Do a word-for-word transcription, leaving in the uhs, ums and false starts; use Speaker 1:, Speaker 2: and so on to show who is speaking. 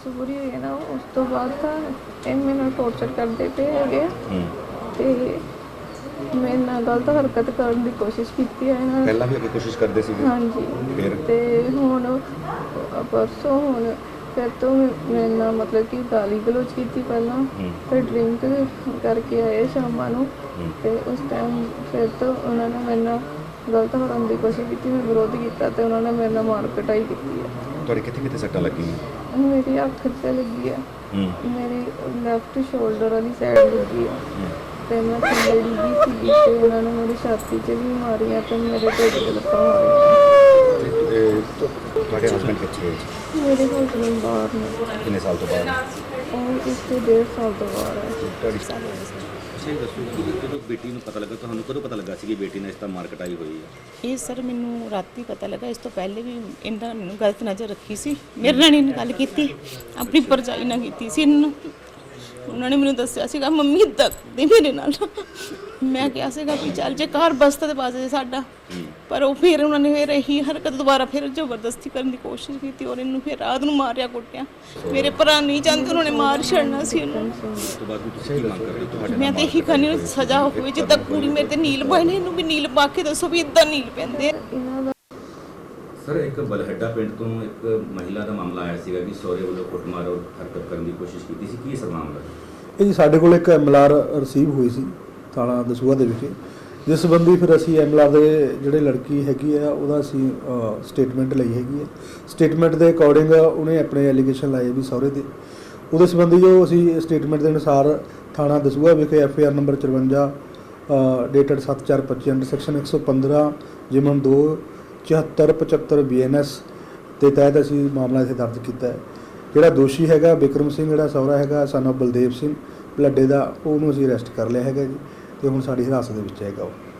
Speaker 1: ਮਜਬੂਰੀ ਹੋਈ ਹੈ ਨਾ, ਉਸ ਤੋਂ ਬਾਅਦ ਤਾਂ ਇਹ ਮੇਰੇ ਨਾਲ ਟੌਰਚਰ ਕਰਦੇ ਪਏ ਹੈਗੇ ਤੇ ਮੇਰੇ ਨਾਲ ਗਲਤ ਹਰਕਤ ਕਰਨ ਦੀ ਕੋਸ਼ਿਸ਼ ਕੀਤੀ ਹੈ ਇਹਨਾਂ ਨੇ।
Speaker 2: ਪਹਿਲਾਂ ਵੀ ਅੱਗੇ ਕੋਸ਼ਿਸ਼ ਕਰਦੇ ਸੀ?
Speaker 1: ਹਾਂਜੀ।
Speaker 2: ਫਿਰ
Speaker 1: ਤੇ ਹੁਣ ਪਰਸੋਂ ਹੁਣ ਫਿਰ ਤੋਂ ਮੇਰੇ ਨਾਲ ਮਤਲਬ ਕਿ ਗਾਲੀ ਗਲੋਚ ਕੀਤੀ ਪਹਿਲਾਂ, ਫਿਰ ਡਰਿੰਕ ਕਰਕੇ ਆਏ ਸ਼ਾਮਾਂ ਨੂੰ ਤੇ ਉਸ ਟਾਈਮ ਫਿਰ ਤੋਂ ਉਹਨਾਂ ਨੇ ਮੇਰੇ ਨਾਲ ਗਲਤ ਕਰਨ ਦੀ ਕੋਸ਼ਿਸ਼ ਕੀਤੀ। ਮੈਂ ਵਿਰੋਧ ਕੀਤਾ ਤੇ ਉਹਨਾਂ ਨੇ ਮੇਰੇ ਨਾਲ ਮਾਰ ਕੁਟਾਈ ਕੀਤੀ ਹੈ।
Speaker 2: ਤੁਹਾਡੇ ਕਿੱਥੇ ਕਿੱਥੇ ਸੱਟਾਂ ਲੱਗੀਆਂ?
Speaker 1: ਮੇਰੀ ਅੱਖ 'ਤੇ ਲੱਗੀ ਹੈ, ਮੇਰੀ ਲੈਫਟ ਸ਼ੋਲਡਰ ਵਾਲੀ ਸਾਈਡ ਲੱਗੀ ਹੈ ਤੇ ਮੈਂ ਥੱਲੇ ਡਿੱਗੀ ਸੀਗੀ ਤੇ ਉਹਨਾਂ ਨੇ ਮੇਰੀ ਛਾਤੀ 'ਚ ਵੀ ਮਾਰੀਆਂ ਤੇ ਮੇਰੇ ਢਿੱਡ 'ਤੇ ਲੱਤਾਂ ਮਾਰੀਆਂ।
Speaker 2: ਤੁਹਾਡੇ ਹਸਬੈਂਡ ਕਿੱਥੇ ਹੈ?
Speaker 1: ਮੇਰੇ ਹਸਬੈਂਡ ਬਾਹਰ ਨੇ।
Speaker 2: ਕਿੰਨੇ ਸਾਲ ਤੋਂ ਬਾਅਦ?
Speaker 1: ਉਹ ਇਸ ਤੋਂ ਡੇਢ ਸਾਲ ਤੋਂ ਬਾਹਰ ਹੈ।
Speaker 2: ਤੁਹਾਡੀ
Speaker 3: ਸਹੀ ਦੱਸੋ ਕਿ ਜਦੋਂ ਬੇਟੀ ਨੂੰ ਪਤਾ ਲੱਗਾ, ਤੁਹਾਨੂੰ ਕਦੋਂ ਪਤਾ ਲੱਗਾ ਸੀ ਕਿ ਬੇਟੀ ਨਾਲ ਇਸ ਤਰ੍ਹਾਂ ਮਾਰ ਕੁਟਾਈ ਹੋਈ ਹੈ?
Speaker 4: ਇਹ ਸਰ ਮੈਨੂੰ ਰਾਤੀ ਪਤਾ ਲੱਗਾ। ਇਸ ਤੋਂ ਪਹਿਲੇ ਵੀ ਇਹਨਾਂ ਨੇ ਗਲਤ ਨਜ਼ਰ ਰੱਖੀ ਸੀ। ਮੇਰੇ ਨਾਲ ਨਹੀਂ ਗੱਲ ਕੀਤੀ, ਆਪਣੀ ਭਰਜਾਈ ਨਾਲ ਕੀਤੀ ਸੀ ਇਹਨਾਂ। ਉਹਨਾਂ ਨੇ ਮੈਨੂੰ ਦੱਸਿਆ ਸੀਗਾ ਮੰਮੀ ਇੱਦਾਂ ਕਰਦੇ ਮੇਰੇ ਨਾਲ। ਮੈਂ ਕਿਹਾ ਸੀਗਾ ਵੀ ਚੱਲ ਜੇ ਘਰ ਬਸਤਾ ਤੇ ਪਾਸੇ ਸਾਡਾ, ਪਰ ਉਹ ਫਿਰ ਉਹਨਾਂ ਨੇ ਫਿਰ ਇਹੀ ਹਰਕਤ ਦੁਬਾਰਾ ਫਿਰ ਜ਼ਬਰਦਸਤੀ ਕਰਨ ਦੀ ਕੋਸ਼ਿਸ਼ ਕੀਤੀ ਔਰ ਇਹਨੂੰ ਫਿਰ ਰਾਤ ਨੂੰ ਮਾਰਿਆ ਕੁੱਟਿਆ। ਮੇਰੇ ਭਰਾ ਨਹੀਂ ਚਾਹੁੰਦੇ, ਉਹਨਾਂ ਨੇ ਮਾਰ ਛੱਡਣਾ ਸੀ ਇਹਨੂੰ।
Speaker 3: ਉਸ ਤੋਂ ਬਾਅਦ ਤੁਸੀਂ ਕੀ ਮੰਗ ਕਰਦੇ ਹੋ? ਤੁਹਾਡੇ
Speaker 4: ਮੈਂ ਤਾਂ ਇਹੀ ਕਹਿੰਦੀ ਹਾਂ ਸਜ਼ਾ ਹੋਵੇ, ਜਿੱਦਾਂ ਕੁੜੀ ਮੇਰੇ ਤੇ ਨੀਲ ਪਾਏ ਨੇ ਇਹਨੂੰ ਵੀ ਨੀਲ ਪਾ ਕੇ ਦੱਸੋ ਵੀ ਇੱਦਾਂ ਨੀਲ ਪੈਂਦੇ ਆ।
Speaker 3: ਸਰ ਇੱਕ ਬਲਹੱਡਾ ਪਿੰਡ ਤੋਂ ਇੱਕ ਮਹਿਲਾ ਦਾ ਮਾਮਲਾ ਆਇਆ ਸੀਗਾ ਕਿ ਸਹੁਰੇ ਵੱਲੋਂ ਕੁੱਟਮਾਰ ਔਰ ਹਰਕਤ ਕਰਨ ਦੀ ਕੋਸ਼ਿਸ਼ ਕੀਤੀ ਸੀ। ਕੀ ਸਰ ਮਾਮਲਾ?
Speaker 5: ਇਹ ਜੀ ਸਾਡੇ ਕੋਲ ਇੱਕ ਐਮਐਲਆਰ ਰਿਸੀਵ ਹੋਈ ਸੀ ਥਾਣਾ ਦਸੂਹਾ ਦੇ ਵਿਖੇ, ਜਿਸ ਸੰਬੰਧੀ ਫਿਰ ਅਸੀਂ ਐਮਐਲਆਰ ਦੇ ਜਿਹੜੇ ਲੜਕੀ ਹੈਗੀ ਆ ਉਹਦਾ ਅਸੀਂ ਸਟੇਟਮੈਂਟ ਲਈ ਹੈਗੀ ਹੈ। ਸਟੇਟਮੈਂਟ ਦੇ ਅਕੋਰਡਿੰਗ ਉਹਨੇ ਆਪਣੇ ਐਲੀਗੇਸ਼ਨ ਲਾਏ ਵੀ ਸਹੁਰੇ ਦੇ, ਉਹਦੇ ਸੰਬੰਧੀ ਜੋ ਅਸੀਂ ਸਟੇਟਮੈਂਟ ਦੇ ਅਨੁਸਾਰ ਥਾਣਾ ਦਸੂਹਾ ਵਿਖੇ ਐਫ ਆਈ ਆਰ ਨੰਬਰ ਚੁਰੰਜਾ ਡੇਟਡ ਸੱਤ ਚਾਰ ਪੱਚੀ ਅੰਡਰ ਸੈਕਸ਼ਨ ਇੱਕ ਸੌ ਪੰਦਰਾਂ ਜਿਮਨ ਦੋ ਚੁਹੱਤਰ ਪਚੱਤਰ ਬੀ ਐਨ ਐਸ ਦੇ ਤਹਿਤ ਅਸੀਂ ਮਾਮਲਾ ਇੱਥੇ ਦਰਜ ਕੀਤਾ ਹੈ। ਜਿਹੜਾ ਦੋਸ਼ੀ ਹੈਗਾ ਬਿਕਰਮ ਸਿੰਘ, ਜਿਹੜਾ ਸਹੁਰਾ ਹੈਗਾ ਸਨ ਆਫ ਬਲਦੇਵ ਸਿੰਘ ਬਲੱਡੇ ਦਾ, ਉਹਨੂੰ ਅਸੀਂ ਅਰੈਸਟ ਕਰ ਲਿਆ ਹੈਗਾ ਜੀ ਤੇ ਹੁਣ ਸਾਡੀ ਹਿਰਾਸਤ ਦੇ ਵਿੱਚ ਹੈਗਾ ਉਹ।